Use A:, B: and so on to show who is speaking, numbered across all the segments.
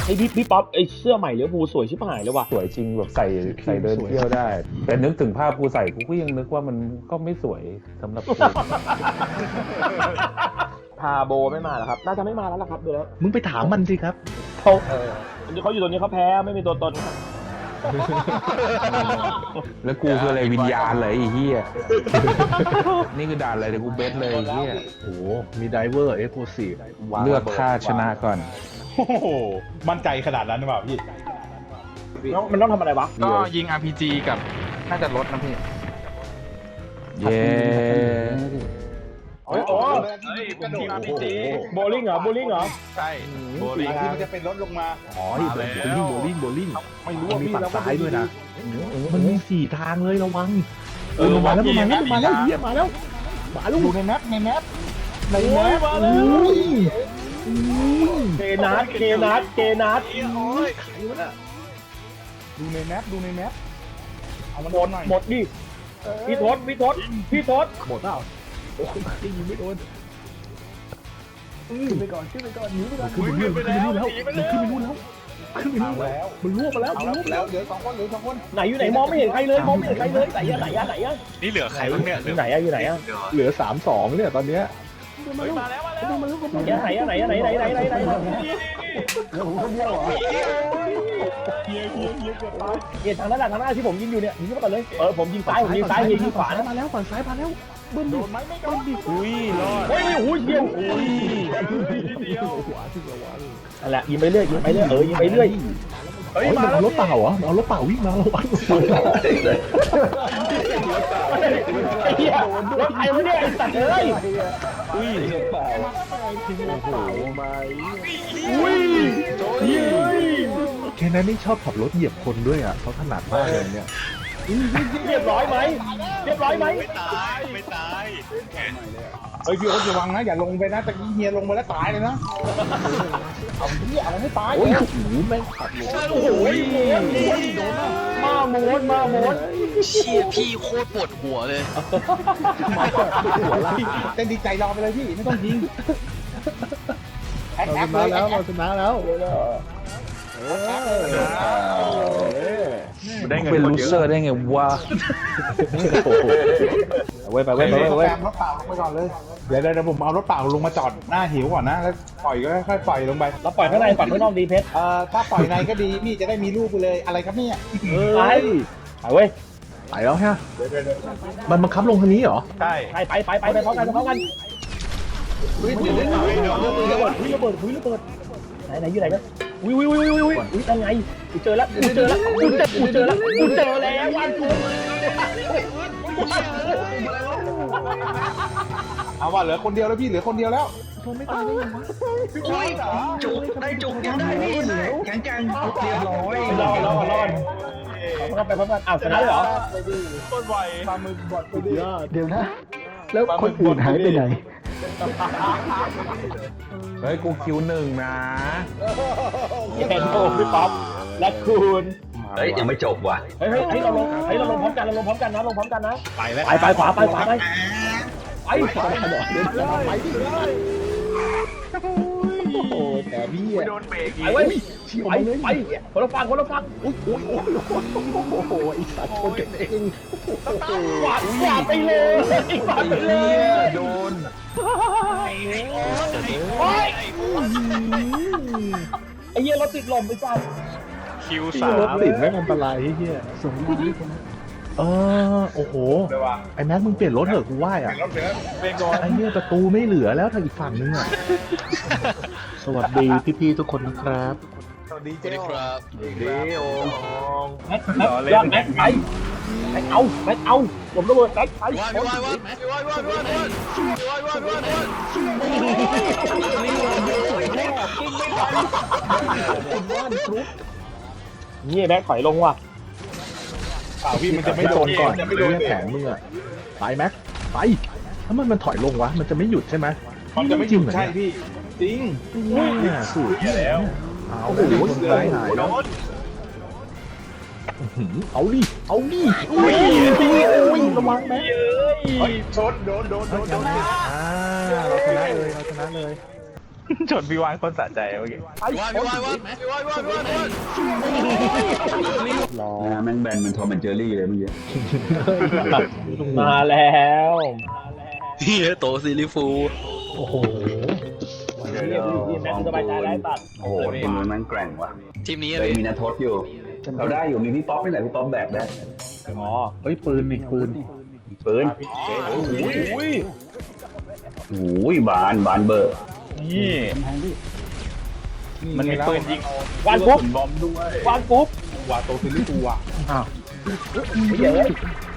A: ไอพี่ป๊อปไอเสื้อใหม่ลิเวอร์พูลสวยชิบหายเลยว่ะ
B: สวยจริงแบบใส่เดินเที่ยวได้ แต่นึกถึงภาพกูใส่กูก็ยังนึกว่ามันก็ไม่สวยสำหรับกู
A: พาโบไม่มาเหรอครับน่าจะไม่มาแล้วล่ะครับเดี๋ยว
C: มึงไปถามมันสิครับ
A: เขาอยู่ตรงนี้เขาแพ้ไม่มีตัวตน
B: แล้วกูคืออะไรวิญญาณเลยไอ้เหี้ย นี่คือด่านอะไรเดี๋ยวกูเบสเลยไอ้เหี้ย
C: โอ้โหมีไดเวอร์เอ็กโคซีฟ
B: เลือกท่าชนะก่อน
D: โอ้โหมั่นใจขนาดนั้นหรือเปล่าพี่
A: มันต้องทำอะไรวะ
E: ก็ยิง RPG กับน่าจะลดนะพี่
B: เย้
A: โอ้
E: ผมยิง RPG
A: โบลิ่งเหรอโบลิ่งเหรอ
E: ใช่โบลิ่ง
D: ที่มันจะเป็นรถลงมา
C: อ๋อโบลิ่ง
D: ไม่รู้
C: มัน
D: ว่า
C: มี
D: พี่
C: ฝั่ง
D: แล้ว
C: ซ้ายด้วยนะมันมี4 ทางเลยระวังมาแล้วเฮียมาแล้ว
D: ดูในแมปในแมป
A: มาแล้วเคนัท
D: ดูในแมปเอามัน
A: หมดดิพี่ทศ
C: หมดเปล่าโอ้ยยิงไม่โดนขึ้นไปก่อนหนีไปก่อนขึ้นไปนู่นแล้วมันล่วงมาแล้ว
D: เอาแล้วเหลือ2 คน
A: ไหนอยู่ไหนมองไม่เห็นใครเลยไหนอะ
E: นี่เหลือใครบ้างเนี่ย
A: อยู่ไหนอะ
C: เหลือ3-2เนี่ยตอนเนี้ย
E: มาแล้ว
A: ไหนเนี่ยทางหน้าที่ผมยิงอยู่เนี่ยยิงเข้าไปเลยผมยิงซ้ายยิงขวา
C: มาแล้วฝั่งซ้ายมาแล้วบึ้ม
D: โดนไหมไม่โดนดิ
E: อุ้ยรอด
A: โอ้ยเยี่ยม
C: ขวาที่ระวัง
A: นั่นแหละยิงไปเรื่อยยิงไปเรื่อย
C: เฮ้ยมาเอารถเปล่าเหรอเอารถเปล่าวิ่งมาระวัง
A: ไอ้เหี้ยรถใครวะเนี่ยไอ้สัตว์เอ้ย
C: อุ้ยเปล่าโอ้โหมาแค่นั้นนี่ชอบขับรถเหยียบคนด้วยอ่ะเขาถนัดมากเลยเนี่ย
A: เรียบร้อยไหม
E: ไม่ตาย
D: เฮ้ยพี่โอ๊ตระวังนะอย่าลงไปนะตะกี้เฮียลงมาแล้วตายเลยนะเอาให้ตาย
C: โอ้ยแม่งขับรถ
A: โอ้โหมาโมด
F: เชี่ยพี่โคตรปวดหัวเลย
D: เต้นดีใจรอไปเลยพี่ไม่ต้องยิง
C: เราชนะแล้ว
E: ได้เงิน
B: เป็น
E: คน
B: ลู
E: เย
B: เซอ
E: อะ
B: ร์ได้ไงวะ
A: ไป
D: รถเปล่าลงไปก่อนเลยเดี๋ยวผมเอารถเปล่าลงมาจอดหน้าหิวก่อนนะแล้วปล่อยก็ค่อยปล่อยลงไป
A: เราปล่อยข้างในฝั่งข้างนอกดีเพชร
D: ถ้าปล่อยในก็ดีพี่จะได้มีลูกไปเลยอะไรครับเนี่ย
A: ไปเว้ย
C: ไปแล้วฮะมันบังคับลงทางนี้เหรอ
E: ใช่
A: ไปพร้อมกันระเบิดไหนอยู่ไหนกันอุ้ยยังไงกูเจอแล้ววันกู
D: เอาว่าเหลือคนเดียวแล้วพี่เหลือคนเดียวแล้ว
F: จุกได้จุกยังได้พี่แข็งแกร่งเรียบร้อย
A: รอดไปพร้อมกันอ้าวชนะเหรอ
E: ต้นไว
D: ปลาหมึกบอดไปดิ
C: เดี๋ยวนะ แล้วคนอื่นหายไปไหน
B: เฮ้ยกูคิว1นะ
A: เห็นโอ้พี่ป๊อปและคุณ
F: เฮ้ยยังไม่จบว่ะ
A: เฮ้ยเราลงพร้อมกันนะ
E: ไปแล้ว
A: ไปขวาไป
C: โอ้แต่พี่
E: ไม่โดนเบรกอีก
A: ไปคนละฝั่ง
C: โอ้โหไอ้สัตว์คนกันเอง
A: กวาดไปเลย
B: โดน
A: ไอ้เหี้ยรถติดลมไปจ้า
E: คิว
C: รถ
E: 3
C: ติดไม่อันตรายเฮียส่งโอ้โหไอ้แม็กมึงเปลี่ยนรถเถอะกูว่าอ่ะ
D: รถเหลือ
E: เบรกก่อน
C: ไอ้เนี่ยประตูไม่เหลือแล้วทางอีกฝั่งนึงอ่ะสวัสดีพี่ๆทุกคนนะครับ
D: สวัสดี
F: สวัสดีครับ
A: ยอดแม็กไปแม็กเอาผมระเบิดแม็กไป
F: วัน
A: นี่แม็กถอยลงว่ะ
D: เปล่าพี่มันจะไม่
C: ไม่
D: โด
C: โด
D: น
C: นก่อน
D: จะไม่
C: ไม่
D: โด
C: โด
D: น
C: นแผงมึงอ่ะไปแม็กไปถ้ามันถอยลงวะมันจะไม่หยุดใช่ไหม
D: มันจะไม่หยุดใช่พี่จริง
C: เนี่ยสูตรแล้วเอาโอ้โหคนร้ายหายแล้วเอาดิอุ้ยระวังแม็ก
D: เฮ้ยชนโดน
C: เราชนะเลย
E: ชนพี่วานคนสะใจเมื่อกี้
C: รอ
F: แม่งแบนมันทอมแอนเจอรี่เลยเมื่อกี้
A: มาแล้ว
G: เฮียโตซีรีฟู
C: โอ้โห
A: พี่แม็กซ์สบายใจแล้วตัด
F: โอ้โหทีมนู้นแม่งแกร่งว่ะ
G: ทีมนี้
F: เลยมีนัททศอยู่เราได้อยู่มีพี่ป๊อปนี่แหละพี่ป๊อปแบกได้
A: อ๋อ
C: เฮ้ยปืนนี่ปืน
F: ปืน
A: อุ้ย
F: โอ้ยบานเบอร์
E: นี่มันมีปืนยิง
A: วานปุ๊บ
E: บอมด้วย
A: วานปุ๊บ
D: ว่าโตซิลิฟูอ่ะ
C: อ้าว
A: เหี้ยเลย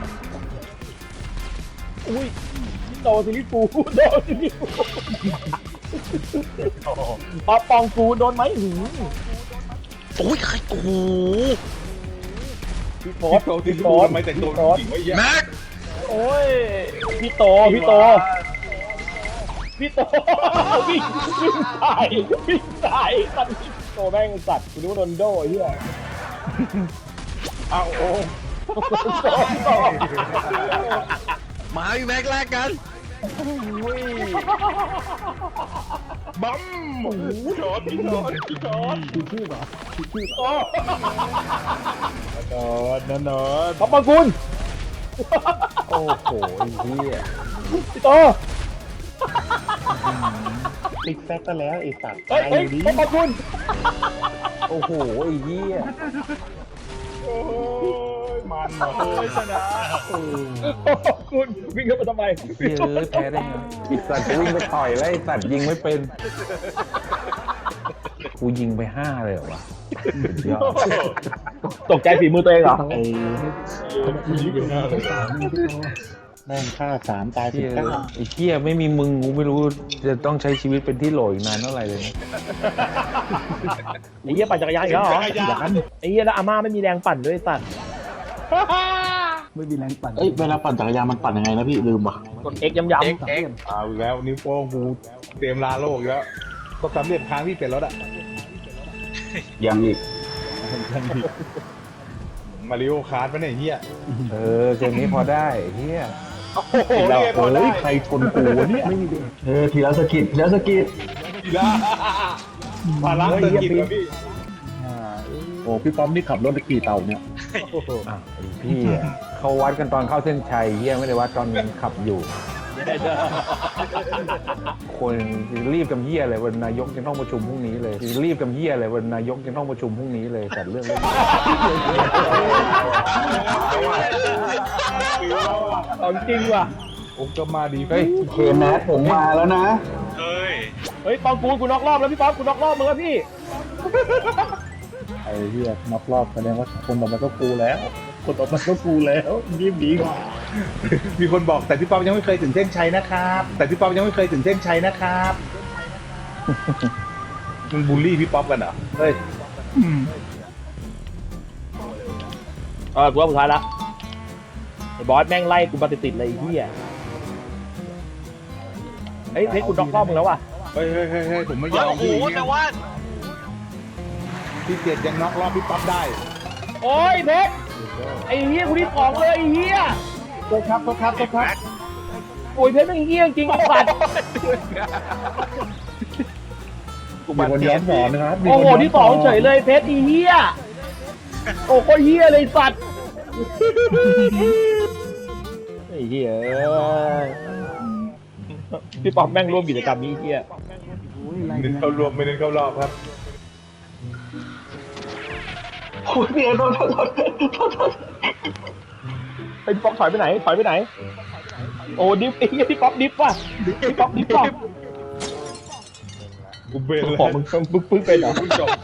A: อุ้ยโตซิลิฟูโดนซิลิฟูปอปองกูโดนไหมหืม
G: โอ้ยใครโอ้โห
A: พี่โฟ
D: โต
A: ส
D: ซิ
A: พี่
D: ลิ
A: โฟ
D: ฟู
A: ส
D: ทำไมแต่งตัวจริงวะเหี้ย
G: แม็ก
A: โอ้ยพี่โตพี่โตวิ่งตายตัดพี่โตแม่งสัตว์กูนึกว่าโดนโดไอ้เหี้ย
D: เอาโอ้
G: มาพี่แม็กแลกกัน
D: บัมโดนพี่โดน
A: นอนขอบคุณ
B: โอ้โหไอ้เหี้ย
A: พี่โต
C: ติ๊กแซกก็แล้วไอ้สัตว์
A: เฮ้ย
C: ตายอยู่ดี
A: ขอบคุณ
B: โอ้โหไอ้เหี้ย
D: มันเหรอ
A: ชนะขอบคุณวิ่งเข้ามาทำไม
B: เหี้ยแพ้ได้ไงไอ้สัตว์วิ่งไปต่อยแล้วไอ้สัตว์ยิงไม่เป็นกูยิงไป5เลยเหรอวะสุดยอด
A: ตกใจฝีมือตัวเองเหรอ
C: ไอ้แม่งฆ่า3ตาย
B: เหี้ย
C: 19
B: ไอ้เหี้ยไม่มีมึงกูไม่รู้จะต้องใช้ชีวิตเป็นที่โหลอีกนานเท่าไหร่เลยนะ
A: ไอ้เหี้ยปั่นจักรยานอีกแล้วเหรอไอ้เหี้ยแล้วอาม่าไม่มีแรงปั่นด้วยตัด
C: เอ้ยเวลาปั่นจักรยานมันปั่นยังไงนะพี่ลืมว่ะ
A: กด X ย้ำ
D: เอาอีกแล้วนิ้วโป้งกูเตรียมลาโลกอีกแล้วก็สำเร็จทางที่เปลี่ยนรถอ่ะ
F: ยังอีก
D: มาริโอคาร์ดปะเนี่ยเฮีย
B: เออเกมนี้พอได้ไอ้เหี้ย
D: โอ้โหเนี่ยพอได้
C: เฮ้ยใครชนกูวะเนี่ย
F: ทีละสกิด
D: ทีละภาระเศรษฐกิจเหรอพี่
C: โอ้พี่ป้อมนี่ขับรถไปกี่เต่าเนี่ย
B: อ่ะไอ้พี่อะเขาวัดกันตอนเข้าเส้นชัยเหี้ยไม่ได้วัดตอนขับอยู่ คนรีบกับเหี้ยเลยวันนายกยังต้องประชุมพรุ่งนี้เลยรีบกับเหี้ยเลยวันนายกยังต้องประชุมพรุ่งนี้เลยแต่เรื่อง
A: ของจริงว่ะ
D: โอ้ก็มาดี
B: เฮ้ย
F: เคแมสผมมาแล้วนะ
E: เฮ้ย
A: เฮ้ยปองกูน็อกรอบแล้วพี่ป๊อปกูน็อกรอบมึงแล้วพี่
C: ไอ้เหี้ยนับรอบแสดงว่าคนต่อมาก็กูแล้ว คนต่อมาก็กูแล้วรีบดีกว่า
D: มีคนบอกแต่พี่ป๊อปยังไม่เคยถึงเส้นชัยนะครับ แต่พี่ป๊อปยังไม่เคยถึงเส้นชัยนะครับมึงบูลลี่พี่ป๊อปกันเหรอเฮ้ย
A: กูว่าสุดท้ายละไอ้บอสแม่งไล่กูมาติดๆเลยไอ้เหี้ยเฮ้ยเพชรกูน็อกรอบมึงแล้วว่ะ
D: เฮ้ยผมไม่ยอม
E: โอ้โห
D: พี่
E: แต่ว่า
D: พี่เจ็ดยังน็อกรอบพี่ป๊อปได้
A: โอ้ยเพชรไอ้เหี้ยกูที่สองเลยไอ้เหี้ย
D: โทษครับ
A: โอ้ยเพชรแม่งเหี้ยจริงไอ้สัตว์
C: มีคนย้อนสอนนะครับมี
A: โอ้
C: คน
A: โห
C: ย้อน
A: ที่สองเฉยเลยเพชรไอ้เหี้ยโอ้โคตรเหี้ยเลยสัตว์ไอ้เหี้ยพี่ป๊อปแม่งร่วมกิจกรรมนี้เหี้ย
D: เน้นเข้ารวมไม่เน้นเข้ารอบครับ
F: โอ้ยพี่โทษ
A: ไอ้พี่ป๊อปถอยไปไหนโอ้ดิฟไอ้เหี้ยพี่ป๊อปดิฟว่ะพี่ป๊อปดิฟว่ะ
D: กูเบนเลย
A: ของมึงปึ๊กเป็นเหรอ
D: จบ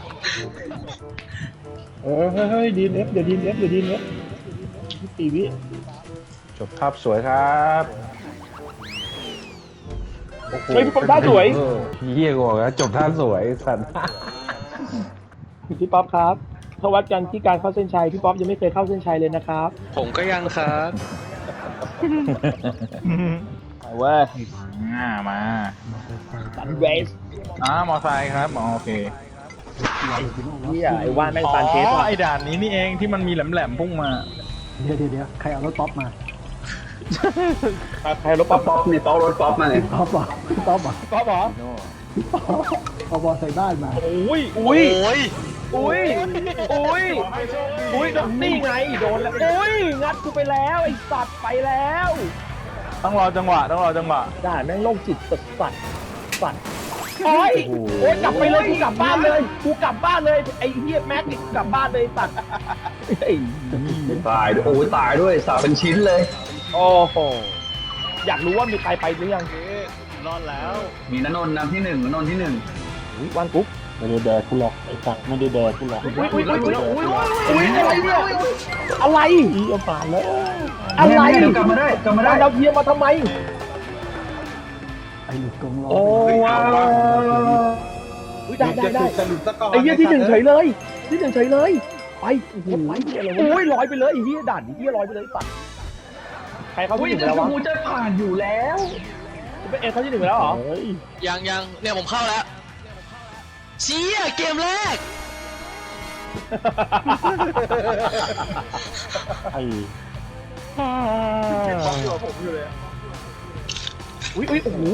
C: เฮ้ยดีเอฟเดี๋ยวดีเอฟตีวิ
B: จบภาพสวยครับโอ้โห
A: เฮ้ยพี่ป๊อปท่าสวย
B: เออเหี้ยกูบอกแล้วจบท่าสวยไอ้สัตว์
A: พี่ป๊อปครับถ้าวัดกันที่การเข้าเส้นชัยพี่ป๊อปยังไม่เคยเข้าเส้นชัยเลยนะครับ
G: ผมก็ยังครับ
A: เอาเว้ย
E: มา
A: สันเวส
E: มอไซค์ครับโอเค
A: เหี้ยไอ้ว่านแม่งปานเทสว่ะ
E: ไอ้ด่านนี้นี่เองที่มันมีแหลมๆพุ่งมา
C: เดี๋ยวใครเอารถป๊อปมา
A: ใครรถป๊อป
F: ป๊อปนี่ป๊อปรถป๊อปมาเลย
C: ป๊อปอ่ะป๊อปอ่ะ
A: ป๊อปเหรอ
C: เอาบอลใส่บ้านมา
A: อุ้ย
G: โอ้
A: อุ้ย
G: ย
A: อุ้ยอุ้ยอุ้ยนี่ไงโดนแล้วอุ้ยงัดกูไปแล้วไอ้สัตว์ไปแล้ว
E: ต้องรอจังหวะต้องรอจังหวะ
A: ด่าแม่งโรคจิตสัตว์สัตว์โอ้ยโอ้ยกลับไปเลยกูกลับบ้านเลยกูกลับบ้านเลยไอ้เฮียแม็กนี่กูกลับบ้านเลยสัตว์ไอ้
F: ตายด้วยโอ้ยตายด้วยสาเป็นชิ้นเลย
A: โอ้โหอยากรู้ว่ามีใครไปหรือยัง
F: มีณนนท์นำที่หนึ่งณนนท์ที่หนึ่ง
A: วันกุ๊ก
C: ไม่ได้แดกกูหรอกไอ้สัตว์ไม่ได้แดกกูหรอก
A: อุ้ยอะไรเนี่ยอะไร
C: อีเอาผ่านแล้ว
A: อะไร
F: เดี๋ยวกลับมาได้กลับมาได้
A: เราเพียมาทำไม
C: ไอ้หลุดกองล้อ
A: โอ้ว้าวได้
D: จะถูกสรุปซะก่อน
A: ไอ้เหี้ยที่หนึ่งเฉยเลยที่หนึ่งเฉยเลยไปโอ้โหโอ้ยลอยไปเลยไอ้เหี้ยด่านไอ้เหี้ยลอยไปเลยปัดใครเข้าที่หนึ่งไปแล้ววะ
F: กูจะผ่านอยู่แล้ว
A: เป็นเอ็นเข้าที่หนึ่งไปแล้วเหรอ
G: ยังเนี่ยผมเข้าแล้วเชี่ยเกมแรก
C: ไอ้
A: อุ้ยโอ้โห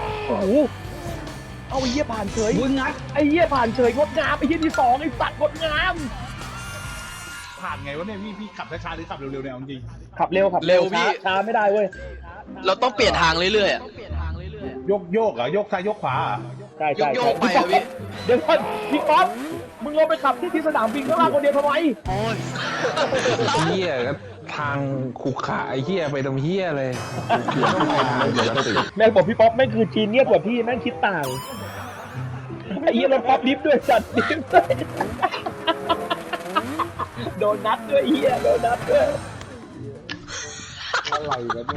A: เอาไอ้เหี้ยผ่านเฉย
F: มึงงัด
A: ไอ้เหี้ยผ่านเฉยงดงามไอ้เหี้ยที่สองไอ้สัตว์งดงาม
D: ผ่านไงวะเนี่ยพี่ขับช้าๆหรือขับเร็วๆเนี่ยเอาจริง
A: ขับเร็วช้าไม่ได้เว้ย
G: เราต้องเปลี่ยนทางเรื่อยๆอะ
D: โยกเหรอโยกซ้ายโยกขวาเหรอ
A: ใช่
G: โยกไปอะพี่
A: เดี๋ยวก่อนพี่ป๊อปมึงลงไปขับที่สนามบินข้างล่างคนเดียวทำไม
G: โอ้ย
B: เฮียก็ทางขุขระไอ้เฮียไปตรงเฮียเลยต้องไปทางปกติ
A: แม่งบอกพี่ป๊อปแม่งคือจีเนียสกว่าพี่แม่งคิดต่างไอ้เหี้ยรถป๊อปดิฟด้วยจัดดิฟด้วยโดนนัดด้วยไอ้เหี้ยโดนนัดด้วย
D: อะไรวะเนี่ย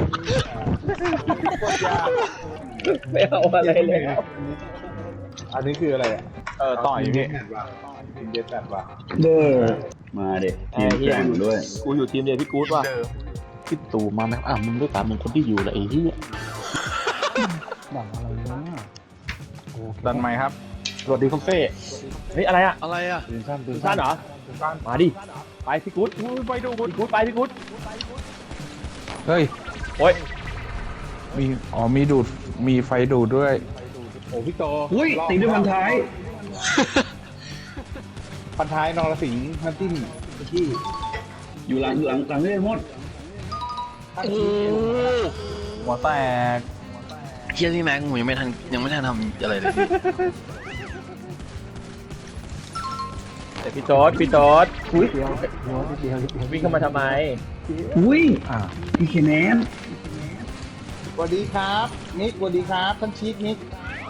A: ไม่เอาอะไรเลยครับ
D: อันนี้คืออะไรอ่ะ
E: ต่อยพี่
D: ทีมเดสแปดว่ะ
F: มาเด็กทีมแข่งด้วย
A: กูอยู่ทีมเดียวพี่กู๊ดว่ะ
C: พี่ตู่มาไหมมึงด้วยตามมึงคนที่อยู่แหละไอ้ที่หนังอะไรวะ
E: ดันไหมค์ครับ
A: สวัสดีคุณเฟ่เฮ้ยอะไรอ่ะ
G: อะไรอะ
C: ปืนสั้นปืน
A: สั้นเหรอมาดิไปพี่กู๊ดไปดูพี่กู๊ดไปพี่กู๊ด
B: เฮ้ย
A: โอ้ย
B: มีดูดมีไฟดูดด้วย
D: โอ้พี่โต
F: อุ้ยตีด้วยพันท้าย
D: พันท้ายนรสิงห์น้ำจิ้มที่
F: อยู่หลังเรื่อยหมด
G: โอ้
E: หัวแตก
G: เฮียพี่แม็กผมยังไม่ทันทำอะไรเลยพี่
A: แต่พี่โจ๊ดอุ้ย
C: เดียวนิดเดียว
A: วิ่งเข้ามาทำไม
F: อุ้ยพี่เคนแนน
D: สวัสดีครับนิกสวัสดีครับท่านชีคนิก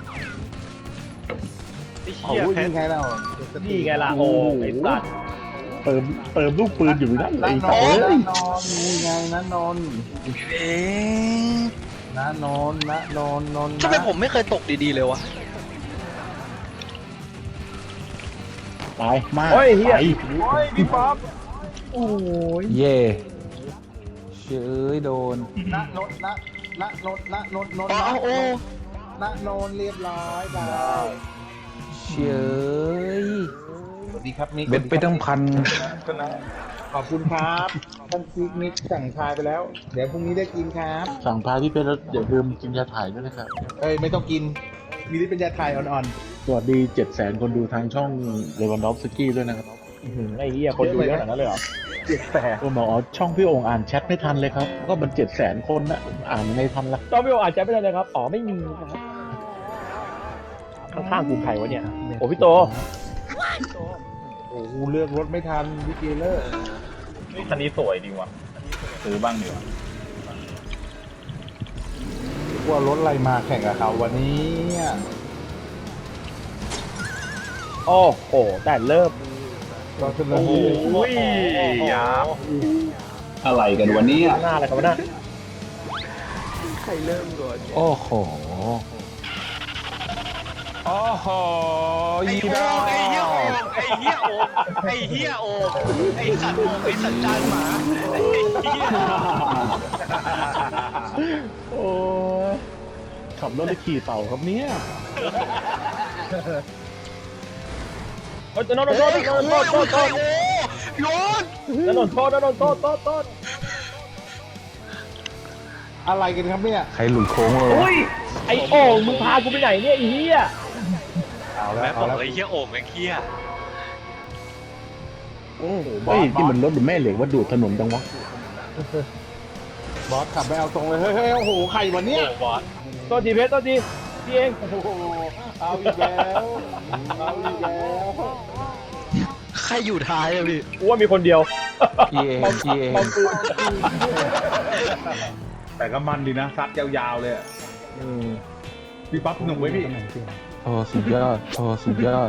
D: โอ้ยยังไงเรา
A: นี่ไงล่ะโอ้ไอ้สัตว์
C: เติมลูกปืนอยู่นั่นไอ้
D: น
C: สัตว์
D: นนี่ไงนะนน
G: เอ๊ะ
D: นะนนนะนนนน
G: ทำไมผมไม่เคยตกดีๆเลยวะ
C: ตายมาก
A: โอ้ยเฮีย
E: พี่ป๊อป
A: โอ้ย
B: เย่เชยโดน
D: นะนนนะนะนนนะนนนน
G: โอ้
D: นะนนเรียบร้อยได้
B: เชย
D: สวัสดีครับนิก
B: เบ็ดไปตั้งพัน
D: ขอบคุณครับท่านชีคนิกสั่งทายไปแล้ว เดี๋ยวพรุ่งนี้ได้กินครับ
C: สั่งพาพี่เพชรแล้วอย่าลืมกินยาถ่ายด้วยนะครับ
D: เอ้ยไม่ต้องกินมีที่เป็นยาถ่ายอ่อน
C: สวัสดี700,000 คนดูทางช่องเลวันดอฟสกี้ด้วยนะครับ
A: ไอ้เฮียคนดูเยอะขนาดนั้นเลยเหรอ
C: คนบอกอ๋อช่องพี่โอ่งอ่านแชทไม่ทันเลยครับ ก็มัน700,000 คนนะอ่านไม่ทันละ
A: ต้องพี่โออาจจะไม่ได้เลยครับอ๋อไม่มีครับข้างๆกูใครวะเนี่ยโอ้พี่โต
D: ๆโอ้โหเลือกรถไม่ทันวิกเกเลอร์
E: คันนี้สวยดีว่ะซื้อบ้างดีกว่า
D: ว่ารถอะไรมาแข่งกับเขาวันนี้เนี่ย
A: โอ้โหแต่เริ่ม
D: เราจะลง
E: อุ้ยยับ
F: อะไรกันวันนี้
A: หน้าอะไรกันวะหน้า
B: โอ้โห โอ้โห
G: ไอ้
B: ยี
G: โอ่
B: ดาง
G: ไอ้เฮียโอ่งไอ้เฮียโอ่งไอ้เฮียโอ่งไอ้สัตว์โอ่งไอ้สัตว์จานหมาไอ้เฮีย
C: โอ้ยขับรถได้ขี่เต่าครับเนี่ย
A: โอ้ยนนท์โทษนนท์โทษโทษโทษ
G: โยน
A: นนท์โทษนนท์โทษโทษ
D: อะไรกันครับเนี่ย
B: ใครหลุดโค้งเลยวะ
A: อุ้ยไอ้โอ่งมึงพากูไปไหนเนี่ยไอ้เหี้ย
D: เอาแล้
G: แม่
D: ว
G: บ
D: เอา
G: อก
D: แล้ว
G: ไอ้เหี้ยโอ่งแม่งเหี้ย
C: เฮ้ยนี่มันรถหรือแม่เหล็กว่าดูดถนนจังวะ
D: บอสขับไปเอาตรงเลยเฮ้ยโอ้โหใครวันนี้
G: โอ้บอส
A: ตัวทีเพชรตัวทีพี่เอง
D: โอ้โหเอาอีกแล้วเอาอีกแล้ว
F: ใครอยู่ท้ายอะพี่
A: กูว่ามีคนเดียว
B: พี่เองพี่เอง
D: แต่ก็มันดีนะซัดยาวๆเลยอะพี่ปั๊บหนุ่มไว้พี่
B: โอ้สุดยอดโอ้สุดยอด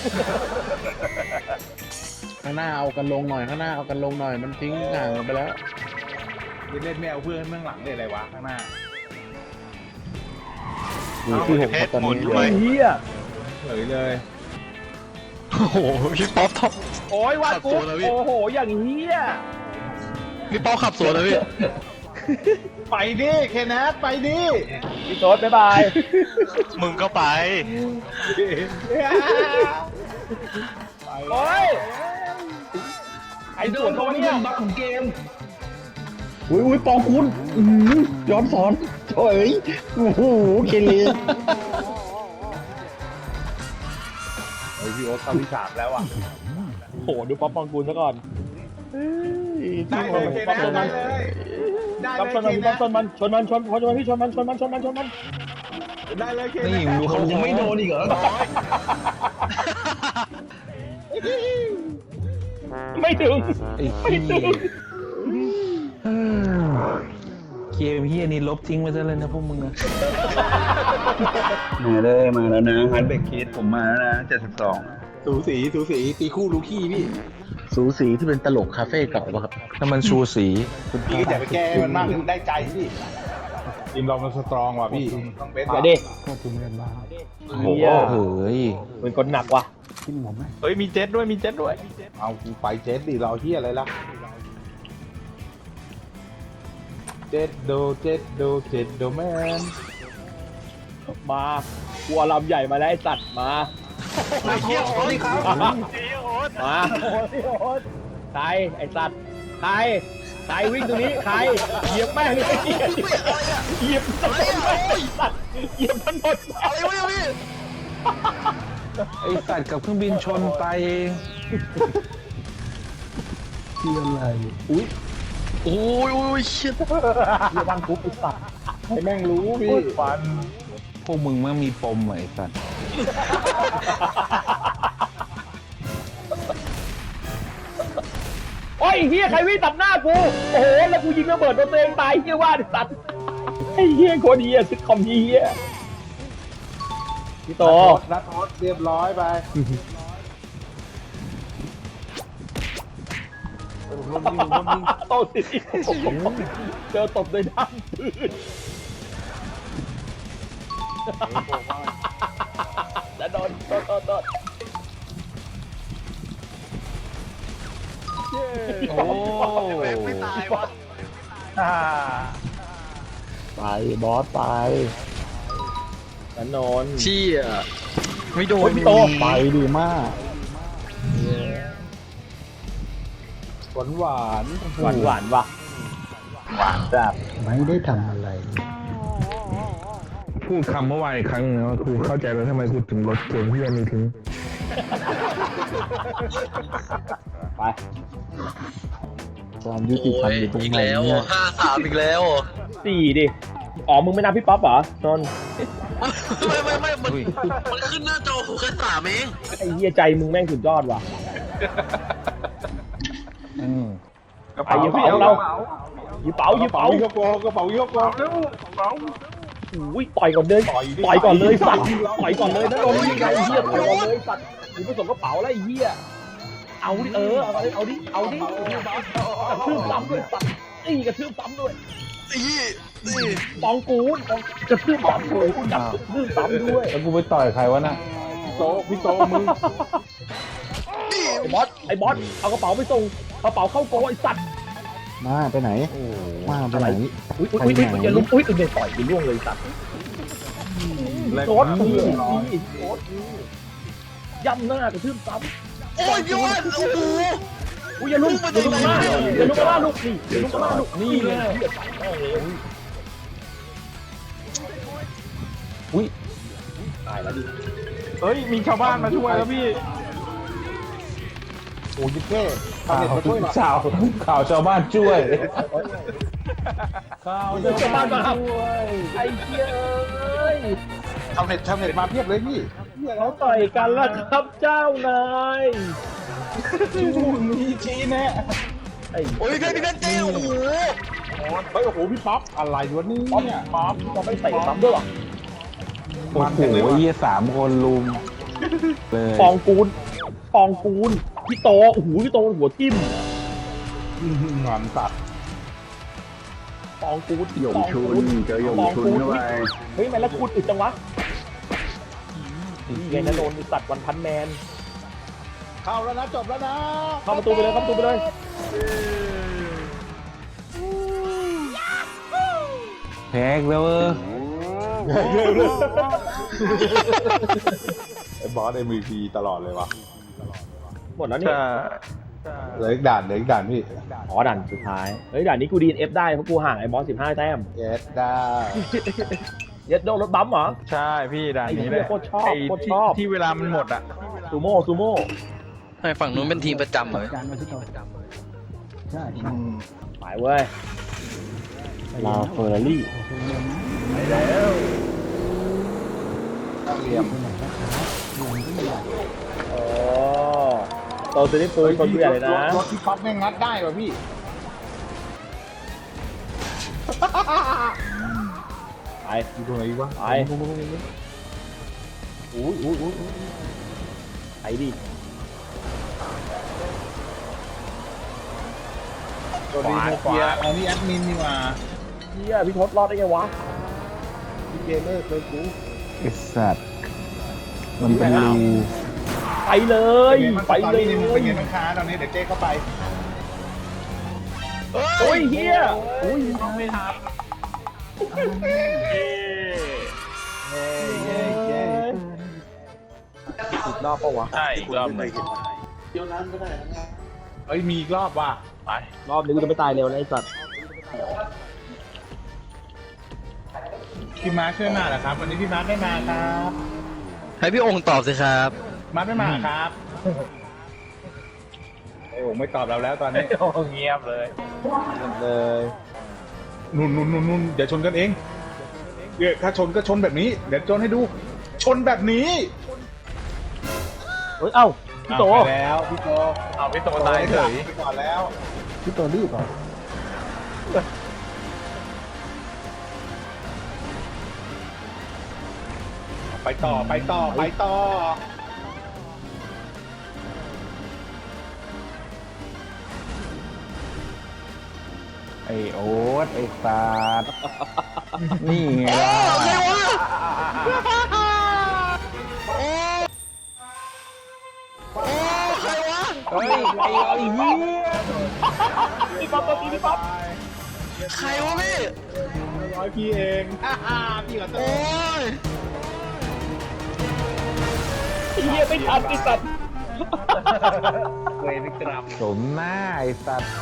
C: ข้างหน้าเอากันลงหน่อยข้างหน้าเอากันลงหน่อยมันทิ้งห่างกันไปแล้ว
D: เล่นไม่เอาเพื่อนเบื้องหลังเลยอะไรวะข้างหน้า
C: อยู่ที่ผมครับตอนนี้
A: ไอ้เหี้ย
D: เฉยเลย
F: โอ้โหพี่ป๊อปท็อป
A: โอ้ยวัดกู
F: ขับสวนแล้วพี่
A: โอ้โหอย่างเหี้ย
F: พี่ป๊อปขับสวนเลยพี่
D: ไปดิเคนแนทไปดิ
A: พี่โต๊ดบ๊ายบาย
G: มึงก็ไป
A: โอ้ยไอ้ส่วนตรงเนี้ย
F: บักของเกม
C: อุ้ยปองคุณย้อนสอนโอ้ยโอ้โหเคลี
D: เฮ้ยพี่โอ๊ตเข้าที่สามแล้วอ่ะ
A: โอ้โหดูป๊อปปองกูลซะก่อน
D: ได้เลยเคนแนทได้เลยได้
A: ป๊อป
D: เลย
A: ชนมันชนมันชนมันพี่ชนมัน
D: ได้เลยเคนแนท
B: นี่มึงดูเขา
F: ยังไม่โดนอีกเหรอ
A: ไม่ถึง
B: ไอ้
A: ไม่
B: เหี้
A: ถึ
B: ย
A: ง
B: เกมเฮียนี่ลบทิ้งไปซะเลยนะพวกมึงนะ
H: มาเลยมาแล้วนะฮันเบกคิดผมมาแล้วนะ72
D: สูสีตีคู่ลูกี้พี่
C: สูสีที่เป็นตลกคาเฟ่เก่าป่ะครับ
B: ถ้ามันชูสี
D: พี่ก็อย่าไปแก้มันมากได้ใจพี่ทีมเรามันสตรองว่ะพี่ต้องเบส
A: เดี๋ยวดิ
B: โอ้โห
A: เหี้ย
B: เฮ้ย
A: เป็นคนหนักว่ะ
E: เฮ้ยมีเจ็ตด้วยมีเจ็ตด้วย
D: เอากูไปเจ็ดดิเราเฮียอะไรล่ะเจ็ดโดแมน
A: มากูเอาลำใหญ่มาแล้วไอ้สัตว์มา
G: ไอ้เหี้ยโอ๊ตครับไอ้เหี้ยโอ๊ต
A: มาใครไอ้สัตว์ใครวิ่งตรงนี้ใครเหยียบแม่งเลยเหยียบถนนไอ้สัตว์เหยียบถนน
F: อะไรวะเนี่ยพี่
B: ไอสัตว์กับเครื่องบินชนตายเอง
F: โอ้ยเชี่ย
A: เหยียบบังคุบไอ้สัตว์
D: ให้แม่งรู้พี่ฟัน
B: พวกมึงมันมีปมเหรอไอสัตว์
A: โอ้ยเฮียใครวิ่งตัดหน้ากูโอ้โหแล้วกูยิงระเบิดโดนตัวเองตายเฮียว่าไอ้สัตว์ไอ้เฮียโคตรเฮียซิทคอมเฮียพี่โต
D: นัดโทษเรียบร้อยไปลมยิง
A: โตติดอีกเจอตบด้วยด้ามปืนแล้วโดน
B: โอ้
G: แม่งไม่ตายวะ
C: ไปบอสไป
A: แล้วนน
F: เชี่ยไม่โดน
A: พี่โต
C: ไปดีมาก
D: หวานหวาน
A: หวานว่ะ
C: ไม่ได้ทำอะไร
B: พูดคำเมื่อวานอีกครั้งนึงนะกูเข้าใจแล้วทำไมกูถึงลดเกมเฮียนี้ทิ้ง
A: ไป
C: ความยุติธรรมอยู่ตรง
F: อีก
C: ไหน
F: แล้ว
C: เนี่ย
F: 5-3อีกแล้ว
A: 4ดิอ๋อมึงไม่นับพี่ป๊อปเหรอนน
F: ไม่มันขึ้นหน้าจอผมแค่3เอง
A: ไอ้เฮียใจมึงแม่งสุดยอดว่ะ
E: กระ
A: ไป
E: เป๋า
A: ยิงพี่เอาเรายิงเป๋ายิงเป๋า
D: ยกกระเป๋ายกก
A: อุ้ยต่อยก่อนเลยต่อยก่อนเลยสัตว์ต่อยก่อนเลยนะโดนยังไงเฮียต่อยก่อนเลยสัตว์มึงไปส่งกระเป๋าแล้วไอ้เฮียเอาดิเอาดิกระทืบซ้ำด้วยสัตว์นี่กระทืบซ้ำด้วยปองกูนกระทืบซ้ำด้วยจับกระทืบซ้ำด้วย
B: แล้วกูไปต่อยใครวะน่ะ
D: พี่โตมึง
A: ไอ้บอสเอากระเป๋าไปส่งกระเป๋าเข้าโกไอ้สัตว์
C: มาไปไหนมาไปไหน
A: อุ้ยอย่าลุกอุ้ยอย่าต่อยไปล่วงเลยสัตว์โคตรย่ำหน้ากระทืบซ้ำ
F: โอ้ยพี่วอนโอ้โห
A: อุ้ยอย่าลุกมาลูกนี่อย่าลุกมาลูกนี่เลย
B: อุ้ย
A: ตายแล้วดิ
B: เฮ้ยมีชาวบ้านมาช่วยแล้วพี่
D: โอ้ยเท่ทำเน็ตมาช่วยหน่อย
B: ข่าวชาวบ้านช่วย
A: เดี๋ยวจะมาไอ้เหี้ยเอ้ย
D: ทำเน็ตมาเพียบเลยพี่
A: เขาต่อยกันแล้วครับเจ้านาย
D: มีชี้แน่
A: ไอ้
F: โอ้ยพี่เต้โอ้โห
D: เฮ้ยโอ้โหพี่ป๊อปอะไรวะนี่
A: ป๊อปจะไม่เตะซ้ำด้วยหรอ
B: โอ้โหเยี่ย3 คนลุมเลย
A: ปองกูลพี่โตโอ้โหพี่โตหัวทิ่ม
D: งอนสัตว์
A: ปองกูล
H: หยงชุนเจอหยงชุนเข้าไป
A: เฮ้ยแม่แล้วกูลอึดจังวะนี่ไงนะโดนสัตว์วันพันแมน
D: เข้าแล้วนะจบแล้วนะ
A: เข้าประตูไปเลยเข้าประตูไปเลย
B: แพ้อีกแล้วเออ
D: ไอ้บอส MVP ตลอดเลยวะ
A: หมดแล้วนี่
D: เหลืออีกด่านพี่
A: อ๋อด่านสุดท้ายเฮ้ยด่านนี้กูดีน F ได้เพราะกูห่างไอ้บอส15 แต้ม
D: เอสได้
A: เย็ดโดนรถบัมป์เหรอ
B: ใช่พี่ด่านนี้
A: ไอ้
B: เล
A: เหี้
B: ย
A: ยโคตรชอบ
B: ไอ้
A: โคตรชอบ
B: ที่เวลามันหมดอ่ะ
A: ซูโม่
F: ทำไมฝั่งนู้นเป็นทีมประจำเหรอ
A: ไปเว้ยลาเฟอร์รารี่ไปแล้วโอ้โตตัวนี้ปืนคนเบื่อเลยนะ
D: รถพี่ป๊อปแม่งงัดได้ป่ะพี่
A: ไป
D: อยู่ตรงไหนวะ
A: ไปอุ้ยไปดิ
D: ตัวนี้โนเกียอันนี้แอดมินนี่มา
A: เฮียพี่ทศรอดได้ไงวะ
D: พี่เกมเมอร์เคยกู
B: ไอ้สัตว์มันเป็นรู
A: ไปเลย ไปเลย
D: เป็นไงบ้างคะตอนนี้เดี๋ยวเจ๊เข้าไป
A: โอ้ยเฮียอุ้ย
E: ไม่ทัน
A: อีกรอบปะวะ
E: ใช่อีกรอบหนึ่ง
D: เอ้ยมีอีกรอบว่ะ
E: ไป
A: รอบนี้กูจะไม่ตายเร็วนะไอ้สัตว์
D: พี่มาร์คช่วยมาเหรอครับวันนี้พี่มาร์คไม่มาครับ
F: ให้พี่องค์ตอบสิครับ
D: มาร์คไม่มาครับไอ้โอ่งไม่ตอบเราแล้วตอนนี้
E: โอ้เงียบเลย
A: เลย
D: นุ่นเดี๋ยวชนกันเองเดี๋ยวถ้าชนก็ชนแบบนี้ เดี๋ยวชนให้ดู ชนแบบนี้
A: เฮ้ยเอ้าพี่โต
D: ไปแล้วพี่โต
E: เอาพี่โตตายเฉย
D: ไปก่อนแล้ว
C: พี่ตัวรีบเหรอ
D: ไปต่อ
B: ไอ้โอ๊ตไอ้สัตว์นี่ไงล่ะ
F: เฮ้ยใครวะ
B: ไอ้เหี้ย
A: พี่ป๊อปตัวพี่ป๊อป
F: ใครวะพี่
D: ร้อยพี่เอง พี่ขอโท
F: โอ้
D: ษ
F: ย
A: เฮียไม่ทันไอ้สัตว์
E: เวรกรรม
B: สมหน้าไอ้สัตว์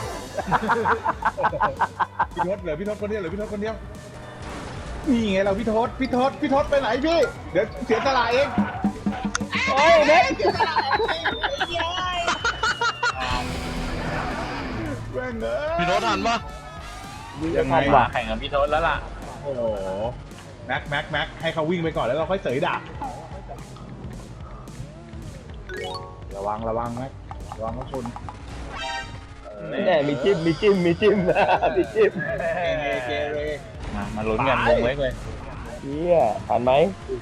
D: พี่ทศเหลือพี่ทศคนเดียวนี่ไงเราพี่ทศไปไหนพี่ เดี๋ยวเสียตลาดเอง
A: โอ้ยเน็ต
D: แม่งเอ้ย
F: พี่โน้ตทันปะ
D: ยังไง
E: ว่าแข่งกับพี่โทษแล้วล่ะ
D: โอ้โหแม็กให้เขาวิ่งไปก่อนแล้วเราค่อยเสยดาบระวังแม็กระวังเขาชน
A: แน่มีจิ้มนะมีจิ้ม
D: เกเร
E: มาลุ้นกันวงเล็กเลย
A: เฮียทันไหม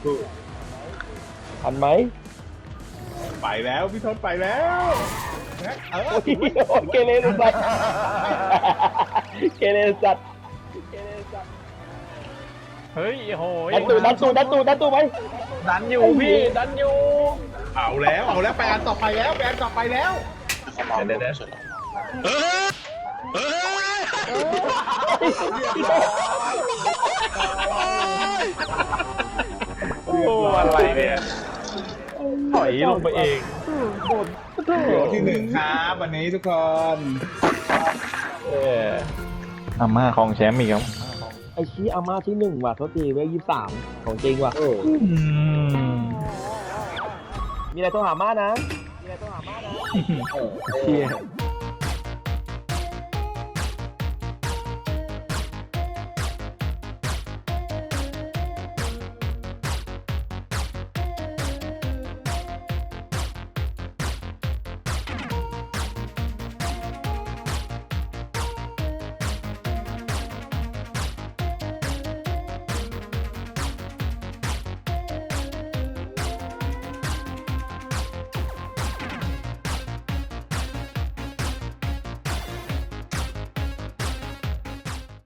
A: ทันไหม
D: ไปแล้วพี่ทศไปแล้วแม็ก
A: โอ้ยเกเรสัตว์เกเรสัตว์
E: เฮ้ยโหย
A: ดันตูไหม
E: ดันอยู่พี่ดันอยู่
D: เอาแล้วไปอันต่อไปแล้วเดี๋ยว
F: เฮ้ยเฮ้ย
E: โอ้อะไรเนี่ยถอยลงไปเอง
D: เดี๋ยวที่หนึ่งครับวันนี้ทุกคน
E: อาม่าของแชมป์อีกครับ
A: ไอ้ชี้อาม่าที่1ว่ะโทษทีเว้ย23ของจริงว่ะมีอะไรโทรหาม่านะ
B: เฮีย